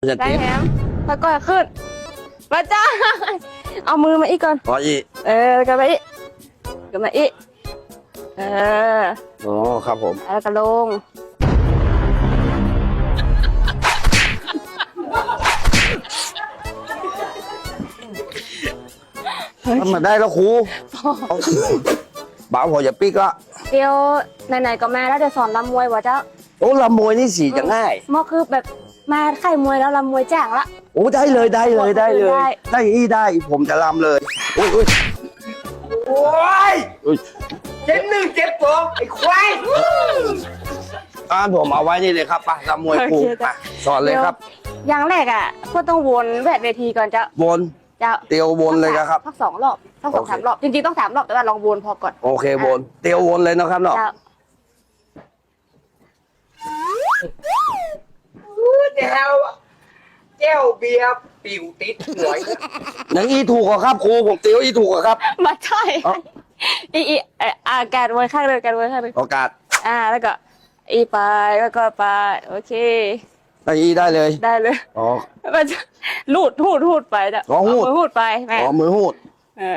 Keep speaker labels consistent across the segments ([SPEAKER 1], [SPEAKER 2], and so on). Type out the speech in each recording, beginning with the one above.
[SPEAKER 1] ได้แถมแล้วก็ขึ้นมาจ้าเอามือมาอีกก่อน
[SPEAKER 2] พออีก
[SPEAKER 1] แล้วก็มาอีกก็มาอีก
[SPEAKER 2] อ๋อครับผม
[SPEAKER 1] แล้วก็ลง
[SPEAKER 2] มันมาได้แล้วครูบ่าวพออย่าปิ๊กละ
[SPEAKER 1] เดี๋ยวไหนๆก็มาแล้วเดี๋ยวสอนลำมวยวะเจ้า
[SPEAKER 2] โอ้ลำมวยนี่สีจะง่าย
[SPEAKER 1] มอคือแบบมาไข่มวยแล้วลำมวยแจ้งละ
[SPEAKER 2] โอ้ได้เลยได้ได้ผมจะลำเลยโอ้ย
[SPEAKER 3] เจ็บหนึ่งเจ็บสองไอ้ควาย
[SPEAKER 2] ผมเอาไว้นี่เลยครับป่ะลำมวยครูสอนเลยครับ
[SPEAKER 1] อย่างแรกอ่ะก็ต้องวนแวดเวทีก่อนเจ้า
[SPEAKER 2] วนเตียววนเลยครับ
[SPEAKER 1] ทั้ง2 รอบทั้ง2-3 รอบจริงๆต้อง3 รอบแต่ว่าลองวนพอก่อน
[SPEAKER 2] โอเควนเตียววนเลยนะครับเนาะ
[SPEAKER 3] แก้วเบียร์ปิวติดหัว
[SPEAKER 2] อย่างอีถูกครับครูผมเตียวอีถูกครับ
[SPEAKER 1] มาใช่อีการไว้ข้างเลยการไว้ข้างเลย
[SPEAKER 2] โอกาส
[SPEAKER 1] แล้วก็อีไปแล้วก็ไปโอเค
[SPEAKER 2] อีได้เลยอ๋อ
[SPEAKER 1] มันหูดไปจ้ะหูดไปแม่
[SPEAKER 2] มือหูด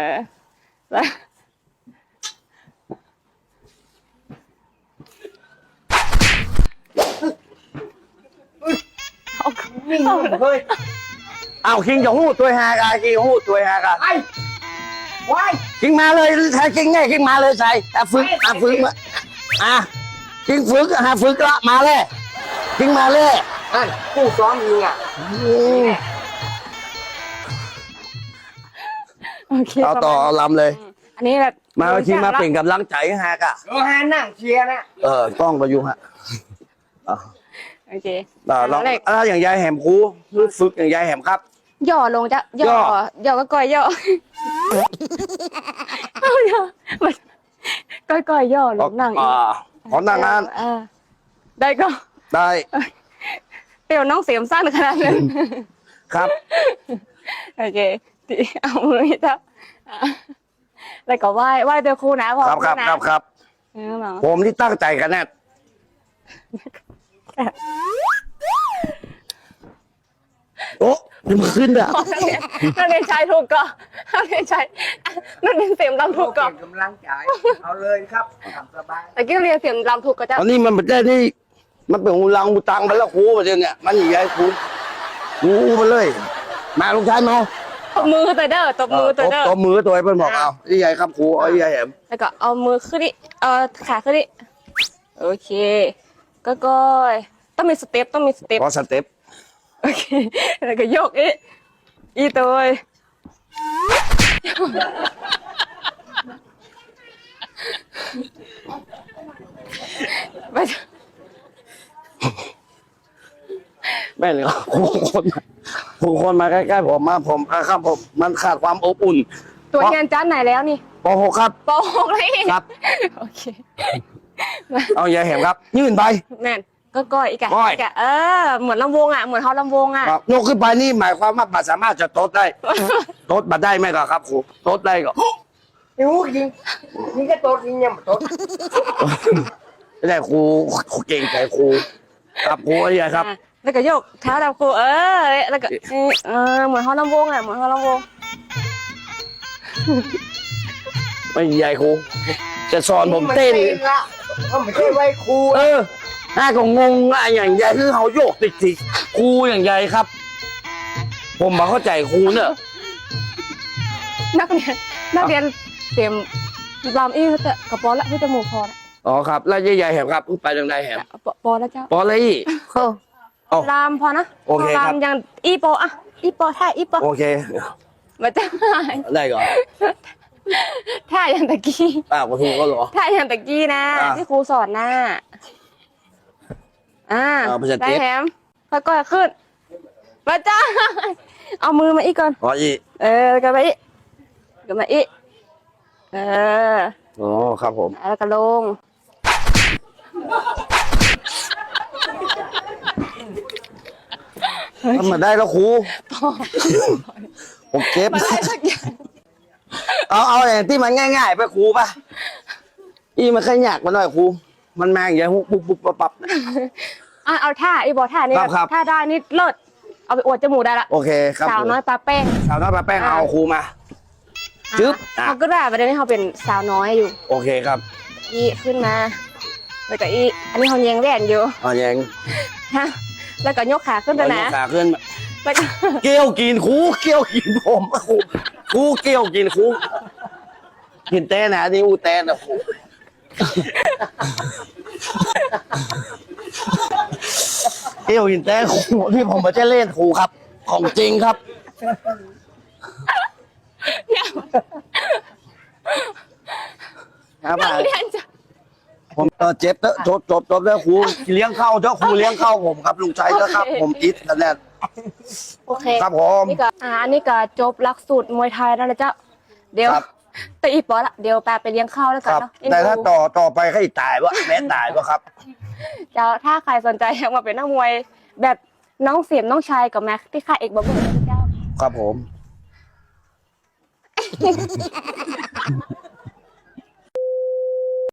[SPEAKER 2] เอาคิงจะหูดตัวหากาคิงหูดตัวหากา
[SPEAKER 3] ไอ้ไว้
[SPEAKER 2] คิงมาเลยใช้คิงไงคิงมาเลยใส่ฝึกมาคิงฝึกฝึกละมาเลยคิงมาเลย
[SPEAKER 3] ผู้ซ้อมยิง
[SPEAKER 2] เอาต่อเอาลำเลย
[SPEAKER 1] อันนี้แบบ
[SPEAKER 2] มาทีมาเป็นกำลังใจฮะกะ
[SPEAKER 3] ฮานั่งเชียร์นะ
[SPEAKER 2] ต้องประยุกต์ฮะ
[SPEAKER 1] โอเค
[SPEAKER 2] ลองอะไรอย่างยายแหมครูฝึกอย่างยายแหมครับ
[SPEAKER 1] ย่อลงจ้ะย่อก็ก่อยย่อก่อยย่อลงนั่ง
[SPEAKER 2] ขอนั่งงาน
[SPEAKER 1] ได้ก็
[SPEAKER 2] ได้
[SPEAKER 1] เดี๋ยวน้องเสียมสั้นขนาดนั้น
[SPEAKER 2] ครับ
[SPEAKER 1] โอเคเอามือจ้ะแล้วก็ไหว้เดี๋ยวครูนะพอ
[SPEAKER 2] ครับผมที่ตั้งใจกันแน่โอ้ยมันขึ้นอ่ะ
[SPEAKER 1] นั่นเองชายถูกก่อนนั่นเองชายนั่นเองเสียงลำถูกก่อน
[SPEAKER 3] กำลังใจเอาเลยครับสบาย
[SPEAKER 1] แต่กี้เรียนเสียงลำถูกก็จะ
[SPEAKER 2] อันนี้มันไม่ได้นี่มันเป็นหูลังหูตังไปแล้วครูประเดี๋ยวเนี่ยมันใหญ่ครูมาเลยมาลูกชายมา
[SPEAKER 1] ตบมือตัวเด้อตบมือตัวเด้อ
[SPEAKER 2] ตบมือตัวไอ้เพื่อนบอกเอาใหญ่ครับครูใหญ่แหม
[SPEAKER 1] แล้วก็เอามือขึ้นดิขาขึ้นดิโอเคก็ต้องมีสเต็ป
[SPEAKER 2] พอสเต็ป
[SPEAKER 1] โอเคแล้วก็ยกอีตัว
[SPEAKER 2] แม่เลยคนมาใกล้ๆผมครับผมมันขาดความอบอุ่น
[SPEAKER 1] ตัวเรียนชั้นไหนแล้วนี่
[SPEAKER 2] ป.6 ครับ
[SPEAKER 1] ป.6เลย
[SPEAKER 2] ครับ
[SPEAKER 1] โอเค
[SPEAKER 2] เอาใหญ่แหมครับยื่นไป
[SPEAKER 1] แม่นก็อีกอะเหมือนลำวงอ่ะเหมือนเขาลำวงอ่ะ
[SPEAKER 2] ยกขึ้นไปนี่หมายความว่าบัตรสามารถจะโต๊ดได้โต๊ดบัตรได้ไหมครับครูโต๊ดได้ก็
[SPEAKER 3] นิ้วยิงนี่ก็โต๊ดยิงยังโต๊ด
[SPEAKER 2] ไม่ได้ครูเก่งใจครูครับครูอะไรครับ
[SPEAKER 1] แล้วก็ยกเท้าดำครูแล้วก็เหมือนเขาลำวงอ่ะเหมือนเขาลำวง
[SPEAKER 2] ไม่ใหญ่ครูจะสอนผมเต้น
[SPEAKER 3] ก็ไม่ใช่ไว้ครู
[SPEAKER 2] น่าก็งงอย่างใหญ่คือเขาโยกติดครูอย่างใหญ่ครับผมมาเข้าใจครูเนี่ย
[SPEAKER 1] นักเรียนเตรียมรำอี้จะกระป๋อละพี่จมูกพอละ
[SPEAKER 2] อ๋อครับแล้วใหญ่แหมครับไปทางใดแหม
[SPEAKER 1] ปอแล้วเจ้า
[SPEAKER 2] ปออะไรอีก
[SPEAKER 1] รำพอนะ
[SPEAKER 2] โอเคครับ
[SPEAKER 1] รำยังอีปออีปอท่าอีปอ
[SPEAKER 2] โอเค
[SPEAKER 1] มาจ้า
[SPEAKER 2] ได้ก่อน
[SPEAKER 1] ท่ายังตะกี้
[SPEAKER 2] ครูก็หรอ
[SPEAKER 1] ท่ายังตะกี้นะที่ครูสอนนะได้แถมแล้วก็ขึ้นมาจ้าเอามือมาอีกก่อน
[SPEAKER 2] อีก
[SPEAKER 1] ก็มาอีกก็มาอีก
[SPEAKER 2] อ๋อครับผม
[SPEAKER 1] แล้วก็ลง
[SPEAKER 2] มันมาได้แล้วครูผมเก็บเอาอย่างที่มันง่ายๆไปครูป่ะมันแค่ยากมาหน่อยครูมันมาอย่างเงี้ยปุ๊บปั๊บ
[SPEAKER 1] เอาท่าอีบอท่านี่ท่าได้นี่เลิศเอาไปอวดจมูกได้ละ
[SPEAKER 2] โอเคครับ
[SPEAKER 1] สาวน้อยปลาแป้ง
[SPEAKER 2] สาวน้อยปลาแป้งเอาครูมา จึ๊บอ่ะ
[SPEAKER 1] เขาก็ได้ประเด็นนี้เขาเป็นสาวน้อยอยู่
[SPEAKER 2] โอเคครับ
[SPEAKER 1] อีขึ้นมาแล้วก็อีอันนี้เขาแยงแหวนอยู่
[SPEAKER 2] เอาอย่าง
[SPEAKER 1] ฮะแล้วก็ยกขาขึ้นไป
[SPEAKER 2] เอา
[SPEAKER 1] นะ
[SPEAKER 2] ขาขึ้น
[SPEAKER 1] แล้วก็
[SPEAKER 2] เกี้ยวกินครูเกี้ยวกินผมครูเกี้ยวกินครูกินแต้นะนี่อูแต้นะครูเกี้ยวกินแต้ครูที่ผมมาจะเล่นครูครับ ของจริงครับ ครับ
[SPEAKER 1] นักเรียนจะ
[SPEAKER 2] ผมเจ็บแล้วจบแล้วครูเลี้ยงเข้าเจ้าครูเลี้ยงเข้าผมครับลุงชัยเจ้าครับ ผมอิทกันแน่
[SPEAKER 1] โอเค
[SPEAKER 2] ครับผม
[SPEAKER 1] นี่ก็อันนี้ก็จบหลักสูตรมวยไทยแล้วนะเจ้าเดี๋ยว
[SPEAKER 2] ครับ
[SPEAKER 1] ตีอีปอละเดี๋ยวแปลไปเลี้ยงข้าวแล้ว
[SPEAKER 2] ค
[SPEAKER 1] กัน
[SPEAKER 2] รับ
[SPEAKER 1] เนาะ
[SPEAKER 2] แต่ถ้าต่อไปให้ตายวะแม่ตายวะครับ
[SPEAKER 1] เจ้าถ้าใครสนใจอยากมาเป็นนักมวยแบบน้องเสียมน้องชายกับแม็กที่ค่ายเอกบอกเลยนะเจ้า
[SPEAKER 2] ครับผม